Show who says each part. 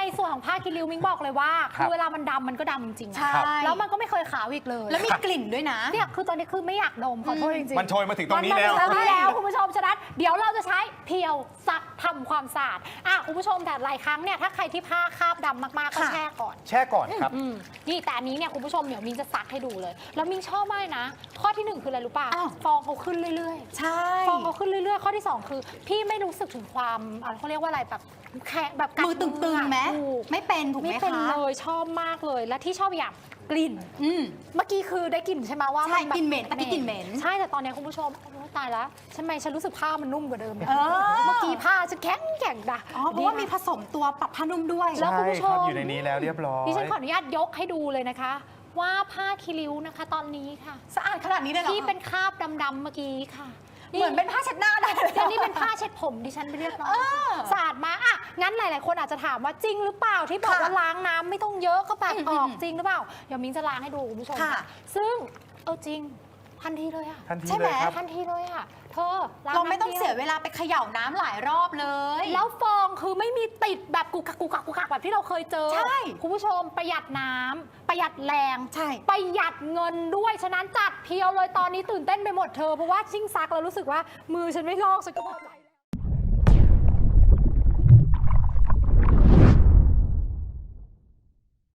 Speaker 1: ส่วนของผ้ากิริ้วมิ้งบอกเลยว่าคือเวลามันดำมันก็ดำจริงๆ
Speaker 2: ใช่
Speaker 1: แล้วมันก็ไม่เคยขาวอีกเลย
Speaker 2: แล้วมีกลิ่นด้วยนะ
Speaker 1: เนี่ยคือตอนนี้คือไม่อยากดมขอโทษจริงๆ
Speaker 3: มันโชยมาถึงตรงนี้แล้ว
Speaker 1: มันมาถึงตรงนี้แล้วคุณผู้ชมฉะนั้นเดี๋ยวเราจะใช้เพียวซักทำความสะอาดคุณผู้ชมแต่หลายครั้งเนี่ยถ้าใครที่ผ้าคราบดำมากๆก็แช่ก่อน
Speaker 3: แช่ก่อนครับ
Speaker 1: นี่แต่อันนี้เนี่ยคุณผู้ชมเดี๋ยวมิ้งจะซักให้ดูเลย แล้วมิ้งชอบมากนะข้อที่ 1 คืออะไรรู้ป่ะ
Speaker 2: อ้าว
Speaker 1: ฟองเขาขึ้นเรื่อย
Speaker 2: ใช่
Speaker 1: ๆฟองเขาขึ้นเรื่อยๆ ข้อที่ 2 คือพี่ไม่รู้สึกถึงความเขาเรียกว่าอะไรแบบแค่แบบกัด
Speaker 2: มือตึงๆไหม
Speaker 1: ถูก
Speaker 2: ไม่เป็นถูกไหม
Speaker 1: ไม่
Speaker 2: คะ
Speaker 1: เป็นเลยชอบมากเลยและที่ชอบอย่างกลิ่นเมื่อกี้คือได้กลิ่นใช่ไหมว่า
Speaker 2: ใช่
Speaker 1: แบบ
Speaker 2: กลิ่นเหม็นตะกี้กลิ่นเหม็น
Speaker 1: ใช่แต่ตอนนี้คุณผู้ชมโอ้ยตายแล้วทำไมฉันรู้สึกผ้ามันนุ่มกว่าเดิมเนี่ย
Speaker 2: เออ
Speaker 1: เมื่อกี้ผ้าฉันแข็งด่ะ
Speaker 2: อ๋อเพราะว่ามีผสมตัวปรับผ้านุ่มด้วย
Speaker 1: แล้วคุณผู้ชม
Speaker 3: ใครับอยู่ในนี้แล้วเรียบร้อย
Speaker 1: ดิฉันขออนุญาตยกให้ดูเลยนะคะ ว่าผ้าคีริ้วนะคะ ตอนนี้ค่ะ
Speaker 2: สะอาดขนาดนี้เลยเหรอ
Speaker 1: ที่เป็นคราบดำๆเมื่อกี้ค่ะ
Speaker 2: เหมือนเป็นผ้าเช็ดหน้าได้เลย
Speaker 1: เดี๋ยวนี้เป็นผ้าเช็ดผมดิฉันไปเรียบร้อยสะอาดมากงั้นหลายๆคนอาจจะถามว่าจริงหรือเปล่าที่บอกว่าล้างน้ำไม่ต้องเยอะก็แบบออกจริงหรือเปล่าเดี๋ยวมิ้งจะล้างให้ดูคุณผู้ชมค่ะซึ่งจริงทันทีเลยอะ
Speaker 3: ทันที
Speaker 2: ใช่ไหม
Speaker 3: เลยครับ
Speaker 1: ทันทีเลยอะเธอล้าง
Speaker 2: เราไม่ต้อง
Speaker 1: น้ำดีว
Speaker 2: เสียเวลาไปเขย่าน้ำหลายรอบเลย
Speaker 1: แล้วฟองคือไม่มีติดแบบกุกกักกุกกักกุกกักแบบที่เราเคยเจอ
Speaker 2: ใช่
Speaker 1: คุณผู้ชมประหยัดน้ำประหยัดแรง
Speaker 2: ใช่
Speaker 1: ประหยัดเงินด้วยฉะนั้นจัดเพียวเลยตอนนี้ตื่นเต้นไปหมดเธอเพราะว่าชิ่งซักแล้วรู้สึกว่ามือฉันไม่ลอกฉันก็พอใจ